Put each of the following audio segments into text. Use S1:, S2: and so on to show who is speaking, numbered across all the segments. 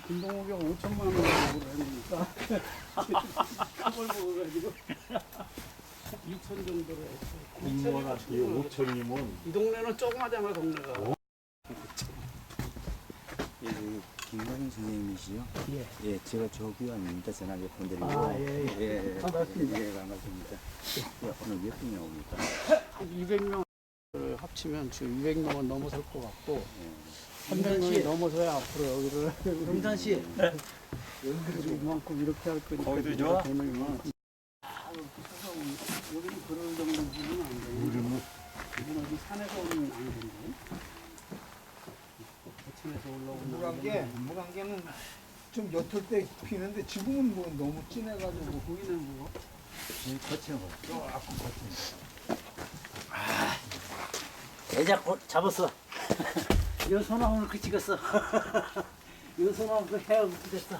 S1: 김동욱이가 5천만 원 먹으라니까 그걸 먹어가지고 2천 정도로 했어.
S2: 공무원한테 5천이면
S1: 이 동네는 조그마잖아 동네가.
S3: 예, 김관영 선생님이시요?
S1: 예.
S3: 예, 제가 조교환입니다. 전화 몇 번 드리고.
S1: 아, 예,
S3: 예,
S1: 반갑습니다.
S3: 예, 반갑습니다. 예, 오늘 몇 분이 옵니까?
S1: 한 200명 합치면 지금 200명은 넘어설 것 같고
S3: 예.
S1: 300명이 넘어서야 앞으로 여기를
S4: 용산 씨.
S1: 이만큼 이렇게 할 거니까
S2: 거기도 좋아?
S1: 돈을 여기는 그럴 정도 부분은 안 돼요.
S2: 우리는
S1: 이건 어디 산에서 오는 아니던데. 대천에서 올라오는
S4: 무관계는 좀 옅을 때 피는데 지금은 뭐 너무 진해가지고
S1: 보이는 거.
S3: 거치는 거. 조금 거치는
S4: 대작 잡았어. 연소나 오늘 그 찍었어. 연소나 그 해야 됐어.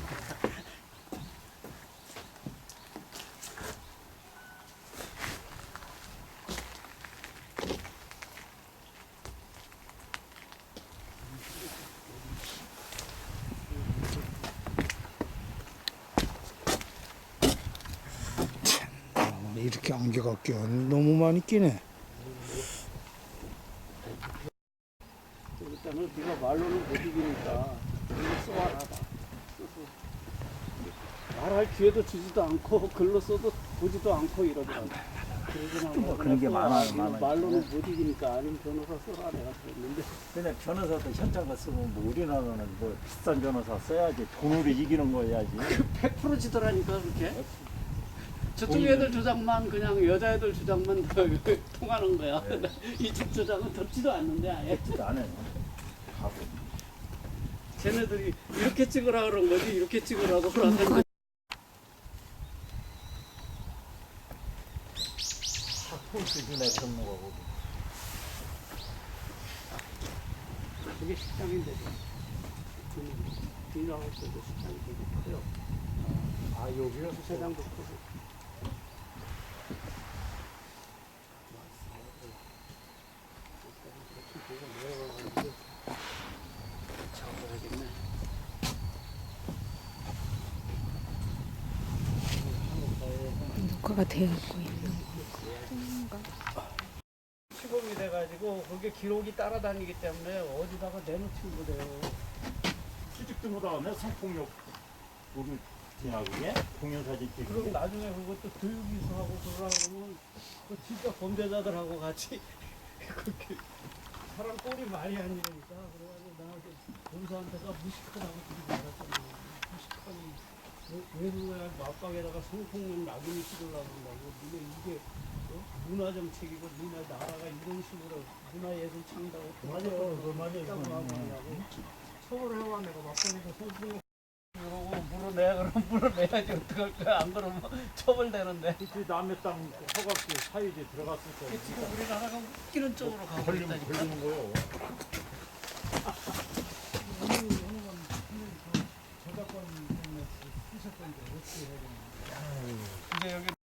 S5: 이렇게 안개가 껴 너무 많이 끼네.
S1: 일단은 네가 말로는 못 이기니까 글로 써와라. 써서 말할 기회도 주지도 않고 글로 써도 보지도 않고 이러더라고. 그러지 말고
S3: 그런 게
S1: 써라.
S3: 많아요,
S1: 이거
S3: 많아요.
S1: 말로는 못 이기니까 아니면 변호사 써라 내가 그랬는데
S2: 근데 변호사도 현장가 쓰면 뭐 우리나라는 뭐 비싼 변호사 써야지 돈으로 이기는 거야지.
S1: 100% 지더라니까 그렇게. 저쪽 애들 주장만 그냥 여자애들 주장만 통하는 거야. 이쪽 주장은 덥지도 않는데 아예.
S2: 했지도 않아요. 하고.
S1: 쟤네들이 이렇게 찍으라 그런 거지 이렇게 찍으라고 그러는
S2: 수준의 전무하고.
S1: 그게 식당인데 딜하우스도 식당이 되게 커요.
S2: 아 여기요?
S1: 세장도 크고. 잡아야겠네.
S6: 녹화가 되고 있는
S1: 시범이 돼가지고 그게 기록이 따라다니기 때문에 어디다가 내놓지 못해요.
S2: 취직도 못하네 성폭력 우리 지나그게 공연사진
S1: 그럼
S2: 찍고.
S1: 나중에 그것도 교육이수하고 그러려면 그 진짜 범죄자들하고 같이 그렇게 사람 꼴이 말이 안 되니까 그래가지고 나한테 검사한테가 무식하다고 그러지 말았잖아요. 무식하니 왜 그거야 맞박에다가 성폭력 낙인을 찍으려고 한다고. 근데 이게 문화 정책이고 문화 나라가 이런 식으로 문화예술 창달을
S2: 맞아요. 그 말이에요.
S1: 있다고 하냐고. 서울해와 내가 맞박에다 성폭력 그러고 물어내 그럼 물어내야지 어떡할 거야. 안 그러면 처벌되는데.
S2: 그 남의 땅 허가기 사유지 들어갔을 때
S1: 지금 우리나라가 웃기는 쪽으로 가고
S2: 걸리면
S1: 있다니까.
S2: 걸리는 거예요.
S1: 저작권 때문에 쓰셨던데 어떻게 해야 되나. 이제 여기